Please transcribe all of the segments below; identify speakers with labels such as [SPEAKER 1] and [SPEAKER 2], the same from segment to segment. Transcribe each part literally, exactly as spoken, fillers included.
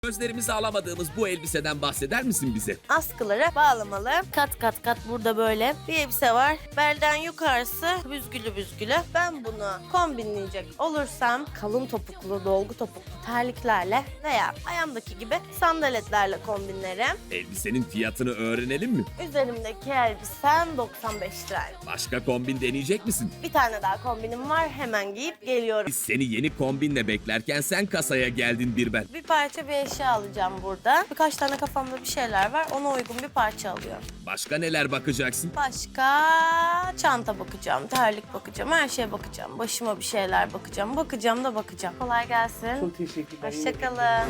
[SPEAKER 1] Gözlerimizi alamadığımız bu elbiseden bahseder misin bize?
[SPEAKER 2] Askıları bağlamalı. Kat kat kat burada böyle bir elbise var. Belden yukarısı büzgülü büzgülü. Ben bunu kombinleyecek olursam kalın topuklu, dolgu topuklu terliklerle veya ayağımdaki gibi sandaletlerle kombinlerim.
[SPEAKER 1] Elbisenin fiyatını öğrenelim mi?
[SPEAKER 2] Üzerimdeki elbisem doksan beş lira.
[SPEAKER 1] Başka kombin deneyecek misin?
[SPEAKER 2] Bir tane daha kombinim var. Hemen giyip geliyorum.
[SPEAKER 1] Biz seni yeni kombinle beklerken sen kasaya geldin bir ben.
[SPEAKER 2] Bir parça bir eşya alacağım burada. Birkaç tane kafamda bir şeyler var. Ona uygun bir parça alıyorum.
[SPEAKER 1] Başka neler bakacaksın?
[SPEAKER 2] Başka çanta bakacağım, terlik bakacağım, her şeye bakacağım. Başıma bir şeyler bakacağım. Bakacağım da bakacağım. Kolay gelsin.
[SPEAKER 3] Çok teşekkürler.
[SPEAKER 2] Hoşçakalın.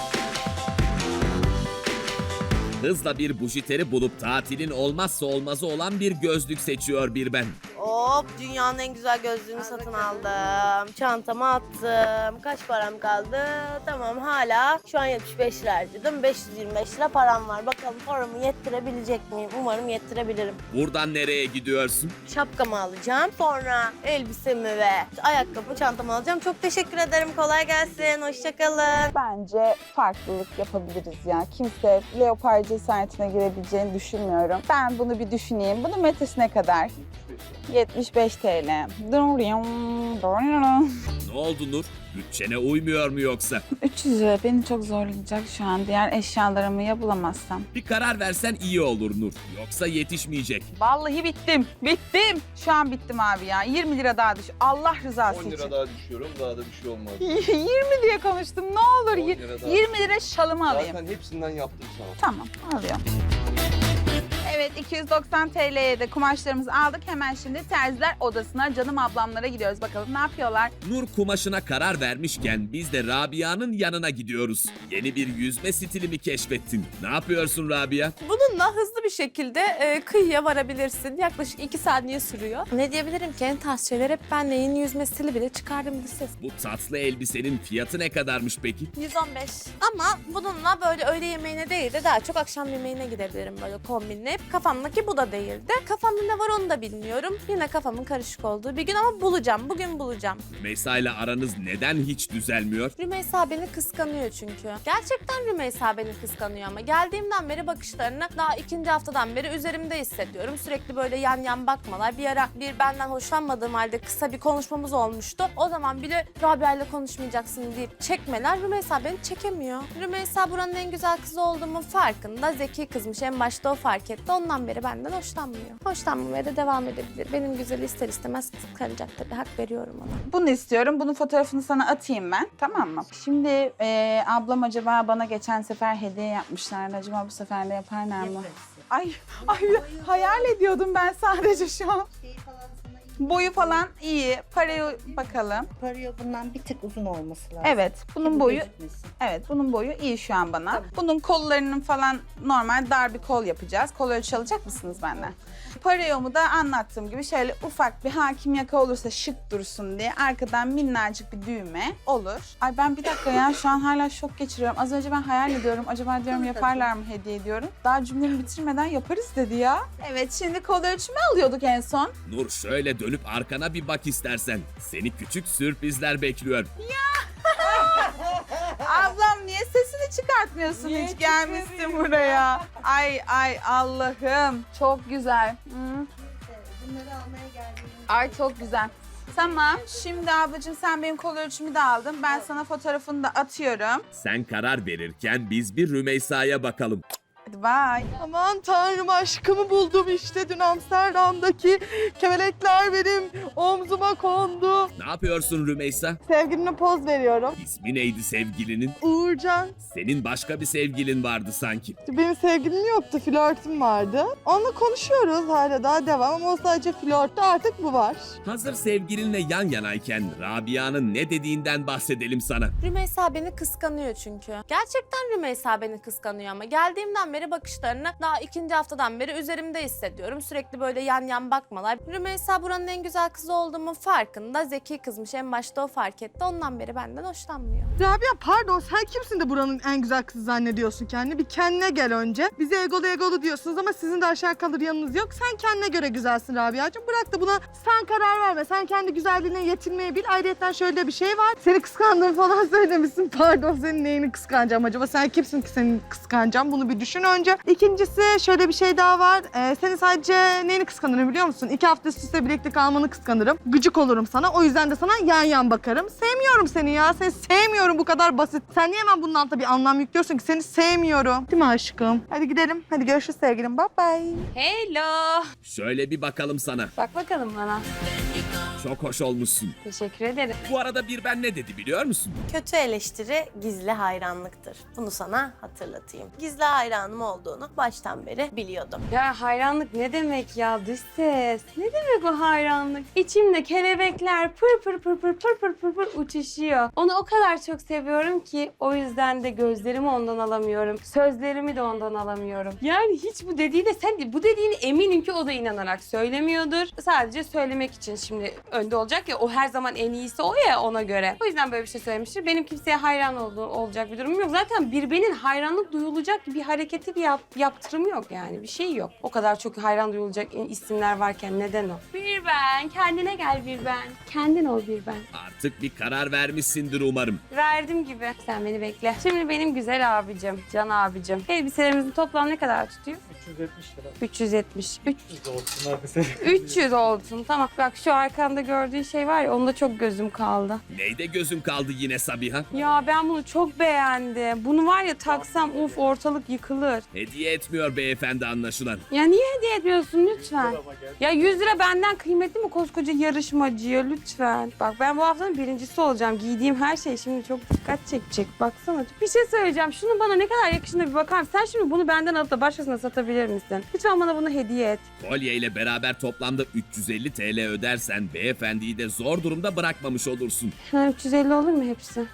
[SPEAKER 1] Hızla bir bujiteri bulup tatilin olmazsa olmazı olan bir gözlük seçiyor bir ben.
[SPEAKER 2] Hop, dünyanın en güzel gözlüğünü satın aldım. Çantama attım. Kaç param kaldı? Tamam, hala şu an yetmiş beş lira harcadım. beş yüz yirmi beş lira param var. Bakalım paramı yettirebilecek miyim? Umarım yettirebilirim.
[SPEAKER 1] Buradan nereye gidiyorsun?
[SPEAKER 2] Şapkamı alacağım. Sonra elbisemi ve ayakkabı çantamı alacağım. Çok teşekkür ederim. Kolay gelsin. Hoşçakalın.
[SPEAKER 4] Bence farklılık yapabiliriz ya. Kimse leopar cesaretine girebileceğini düşünmüyorum. Ben bunu bir düşüneyim. Bunun metresi ne kadar? yetmiş beş TL.
[SPEAKER 1] Ne oldu Nur? Bütçene uymuyor mu yoksa?
[SPEAKER 4] üç yüz lira beni çok zorlayacak şu an. Diğer eşyalarımı ya bulamazsam.
[SPEAKER 1] Bir karar versen iyi olur Nur. Yoksa yetişmeyecek.
[SPEAKER 4] Vallahi bittim. Bittim. Şu an bittim abi ya. yirmi lira daha düş. Allah rızası
[SPEAKER 3] on
[SPEAKER 4] için.
[SPEAKER 3] lira daha düşüyorum. Daha da bir şey olmaz.
[SPEAKER 4] yirmi diye konuştum. Ne olur.
[SPEAKER 3] on lira daha.
[SPEAKER 4] yirmi lira şalımı alayım.
[SPEAKER 3] Zaten hepsinden yaptım sana.
[SPEAKER 4] Tamam, alıyorum. Evet, iki yüz doksan T L'ye de kumaşlarımızı aldık. Hemen şimdi terziler odasına, canım ablamlara gidiyoruz. Bakalım ne yapıyorlar?
[SPEAKER 1] Nur kumaşına karar vermişken biz de Rabia'nın yanına gidiyoruz. Yeni bir yüzme stili mi keşfettin? Ne yapıyorsun Rabia?
[SPEAKER 5] Bununla hızlı bir şekilde e, kıyıya varabilirsin. Yaklaşık iki saniye sürüyor. Ne diyebilirim ki en tarz şeyler hep benle yeni yüzme stili bile çıkardım listesi.
[SPEAKER 1] Bu tatlı elbisenin fiyatı ne kadarmış peki?
[SPEAKER 5] yüz on beş. Ama bununla böyle öğle yemeğine değil de daha çok akşam yemeğine gidebilirim böyle kombinleyip. Kafamdaki bu da değildi. Kafamda ne var onu da bilmiyorum. Yine kafamın karışık olduğu bir gün ama bulacağım. Bugün bulacağım.
[SPEAKER 1] Rümeysa ile aranız neden hiç düzelmiyor?
[SPEAKER 5] Rümeysa beni kıskanıyor çünkü. Gerçekten Rümeysa beni kıskanıyor ama geldiğimden beri bakışlarını daha ikinci haftadan beri üzerimde hissediyorum. Sürekli böyle yan yan bakmalar. Bir ara bir benden hoşlanmadığım halde kısa bir konuşmamız olmuştu. O zaman bile Rabia ile konuşmayacaksın deyip çekmeler. Rümeysa beni çekemiyor. Rümeysa buranın en güzel kızı olduğumun farkında. Zeki kızmış. En başta o fark etti. Ondan beri benden hoşlanmıyor. Hoşlanmamaya da devam edebilir. Benim güzeli ister istemez kıskanacak tabii. Hak veriyorum ona.
[SPEAKER 4] Bunu istiyorum. Bunun fotoğrafını sana atayım ben. Tamam mı? Şimdi e, ablam acaba bana geçen sefer hediye yapmışlardı. Acaba bu sefer de yaparlar mı? Ay, ay hayal ediyordum ben sadece şu an. Boyu falan iyi. Parayı bakalım.
[SPEAKER 6] Paraya bundan bir tık uzun olması lazım.
[SPEAKER 4] Evet, bunun
[SPEAKER 6] Bu
[SPEAKER 4] boyu
[SPEAKER 6] gözükmesin.
[SPEAKER 4] evet, bunun boyu iyi şu an bana. Bunun kollarının falan normal dar bir kol yapacağız. Kol ölçü alacak mısınız benden? Parayomu da anlattığım gibi şöyle ufak bir hakim yaka olursa şık dursun diye arkadan minnacık bir düğme olur. Ay ben bir dakika ya şu an hala şok geçiriyorum. Az önce ben hayal ediyorum. Acaba diyorum yaparlar mı hediye ediyorum. Daha cümlemi bitirmeden yaparız dedi ya. Evet şimdi kol ölçümü alıyorduk en son.
[SPEAKER 1] Nur şöyle dönüp arkana bir bak istersen. Seni küçük sürprizler bekliyor.
[SPEAKER 4] Ablam niye sesini çıkartmıyorsun
[SPEAKER 6] Niye
[SPEAKER 4] hiç gelmişsin buraya? Ay ay Allah'ım çok güzel. Hı.
[SPEAKER 6] Bunları almaya geldiğim
[SPEAKER 4] Ay çok güzel. Tamam şimdi ablacığım sen benim kol ölçümü de aldın. Ben sana fotoğrafını da atıyorum.
[SPEAKER 1] Sen karar verirken biz bir Rümeysa'ya bakalım.
[SPEAKER 4] Hadi bye.
[SPEAKER 7] Aman tanrım aşkımı buldum işte dün Amsterdam'daki kemelekler benim omzuma kondu.
[SPEAKER 1] Ne yapıyorsun Rümeysa?
[SPEAKER 7] Sevgilimle poz veriyorum.
[SPEAKER 1] İsmi neydi sevgilinin?
[SPEAKER 7] Uğurcan.
[SPEAKER 1] Senin başka bir sevgilin vardı sanki.
[SPEAKER 7] Benim sevgilim yoktu, flörtüm vardı. Onunla konuşuyoruz hala daha devam ama o sadece flörttü artık bu var.
[SPEAKER 1] Hazır sevgilinle yan yanayken Rabia'nın ne dediğinden bahsedelim sana.
[SPEAKER 5] Rümeysa beni kıskanıyor çünkü. Gerçekten Rümeysa beni kıskanıyor ama geldiğimden geldiğimden beri bakışlarını daha ikinci haftadan beri üzerimde hissediyorum. Sürekli böyle yan yan bakmalar. Rümeysa buranın en güzel kızı olduğumun farkında. Zeki kızmış, en başta o fark etti. Ondan beri benden hoşlanmıyor.
[SPEAKER 7] Rabia pardon, sen kimsin de buranın en güzel kızı zannediyorsun kendini? Bir kendine gel önce. Bize egolu egolu diyorsunuz ama sizin de aşağı kalır yanınız yok. Sen kendine göre güzelsin Rabia'cığım. Bırak da buna sen karar verme. Sen kendi güzelliğine yetinmeyi bil. Ayrıca şöyle bir şey var. Seni kıskandığını falan söylemişsin. Pardon, senin neyini kıskanacağım acaba? Sen kimsin ki senin kıskanacağım? Bunu bir düşün önce. İkincisi şöyle bir şey daha var. Ee, senin sadece neyini kıskanırım biliyor musun? İki hafta üst üste birlikte kalmanı kıskanırım. Gıcık olurum sana. O yüzden de sana yan yan bakarım. Sevmiyorum seni ya. Seni sevmiyorum, bu kadar basit. Sen niye hemen bunun altına bir anlam yüklüyorsun ki? Seni sevmiyorum. Değil mi aşkım? Hadi gidelim. Hadi görüşürüz sevgilim. Bye bye.
[SPEAKER 8] Hello.
[SPEAKER 1] Şöyle bir bakalım sana.
[SPEAKER 8] Bak bakalım bana.
[SPEAKER 1] Çok hoş olmuşsun.
[SPEAKER 8] Teşekkür ederim.
[SPEAKER 1] Bu arada bir ben ne dedi biliyor musun?
[SPEAKER 2] Kötü eleştiri gizli hayranlıktır. Bunu sana hatırlatayım. Gizli hayranım olduğunu baştan beri biliyordum.
[SPEAKER 8] Ya hayranlık ne demek ya dış ses? Ne demek o hayranlık? İçimde kelebekler pır pır pır pır pır pır pır pır uçuşuyor. Onu o kadar çok seviyorum ki o yüzden de gözlerimi ondan alamıyorum. Sözlerimi de ondan alamıyorum. Yani hiç bu dediğine sen bu dediğini eminim ki o da inanarak söylemiyordur. Sadece söylemek için şimdi önde olacak ya, o her zaman en iyisi o ya, ona göre. O yüzden böyle bir şey söylemiştir. Benim kimseye hayran olduğu olacak bir durumum yok. Zaten birbirinin hayranlık duyulacak bir hareketi bir yap, yaptırımı yok yani. Bir şey yok. O kadar çok hayran duyulacak isimler varken neden o? Bir ben. Kendine gel bir ben. Kendin ol bir ben.
[SPEAKER 1] Artık bir karar vermişsindir umarım.
[SPEAKER 8] Verdim gibi. Sen beni bekle. Şimdi benim güzel abicim, can abicim. Elbiselerimizin toplam ne kadar tutuyor?
[SPEAKER 9] üç yüz yetmiş lira.
[SPEAKER 8] üç yüz yetmiş. üç
[SPEAKER 9] üç yüz olsun hadi senin.
[SPEAKER 8] üç yüz olsun. Tamam. Bak şu arkanda gördüğün şey var ya, onda çok gözüm kaldı.
[SPEAKER 1] Neyde gözün kaldı yine Sabiha?
[SPEAKER 8] Ya ben bunu çok beğendim. Bunu var ya taksam uf ortalık yıkılır.
[SPEAKER 1] Hediye etmiyor beyefendi anlaşılan.
[SPEAKER 8] Ya niye hediye etmiyorsun lütfen?
[SPEAKER 9] Ama gel.
[SPEAKER 8] Ya yüz lira benden kıymetli mi koskoca yarışmacıya lütfen? Bak ben bu haftanın birincisi olacağım. Giydiğim her şey şimdi çok dikkat çekecek. Baksana. Bir şey söyleyeceğim. Şunun bana ne kadar yakışına bir bakar mısın? Sen şimdi bunu benden alıp da başkasına satabilir misin? Lütfen bana bunu hediye et.
[SPEAKER 1] Kolye ile beraber toplamda üç yüz elli TL ödersen beyefendiyi de zor durumda bırakmamış olursun.
[SPEAKER 8] Ha, üç yüz elli olur mu hepsi?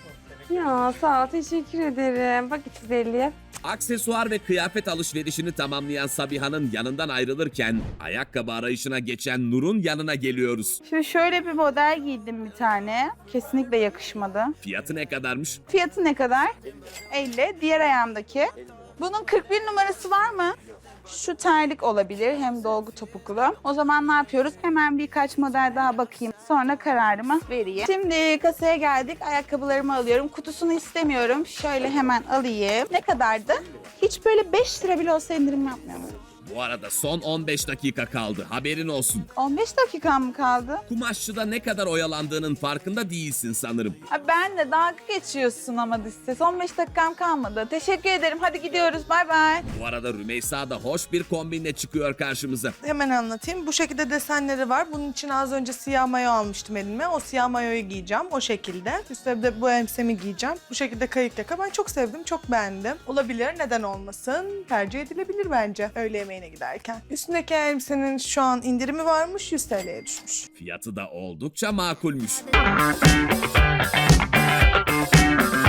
[SPEAKER 8] Ya sağ ol, teşekkür ederim. Bak üç yüz elliye.
[SPEAKER 1] Aksesuar ve kıyafet alışverişini tamamlayan Sabiha'nın yanından ayrılırken ayakkabı arayışına geçen Nur'un yanına geliyoruz.
[SPEAKER 4] Şimdi şöyle bir model giydim bir tane. Kesinlikle yakışmadı.
[SPEAKER 1] Fiyatı ne kadarmış?
[SPEAKER 4] Fiyatı ne kadar? elli. Diğer ayağımdaki. Bunun kırk bir numarası var mı? Şu terlik olabilir, hem dolgu topuklu. O zaman ne yapıyoruz? Hemen birkaç model daha bakayım. Sonra kararımı vereyim. Şimdi kasaya geldik. Ayakkabılarımı alıyorum. Kutusunu istemiyorum. Şöyle hemen alayım. Ne kadardı? Hiç böyle beş lira bile olsa indirim yapmıyorum.
[SPEAKER 1] Bu arada son on beş dakika kaldı. Haberin olsun.
[SPEAKER 4] on beş dakikam mı kaldı?
[SPEAKER 1] Kumaşçıda ne kadar oyalandığının farkında değilsin sanırım.
[SPEAKER 4] Ha, ben de dalga geçiyorsun ama dış ses. on beş dakikam kalmadı. Teşekkür ederim. Hadi gidiyoruz. Bay bay.
[SPEAKER 1] Bu arada Rümeysa da hoş bir kombinle çıkıyor karşımıza.
[SPEAKER 7] Hemen anlatayım. Bu şekilde desenleri var. Bunun için az önce siyah mayo almıştım elime. O siyah mayoyu giyeceğim o şekilde. Üstüne de bu elbisemi giyeceğim. Bu şekilde kayık yaka. Ben çok sevdim, çok beğendim. Olabilir, neden olmasın? Tercih edilebilir bence öğle yemeğine giderken. Üstündeki elbisenin şu an indirimi varmış, yüz TL'ye düşmüş.
[SPEAKER 1] Fiyatı da oldukça makulmüş.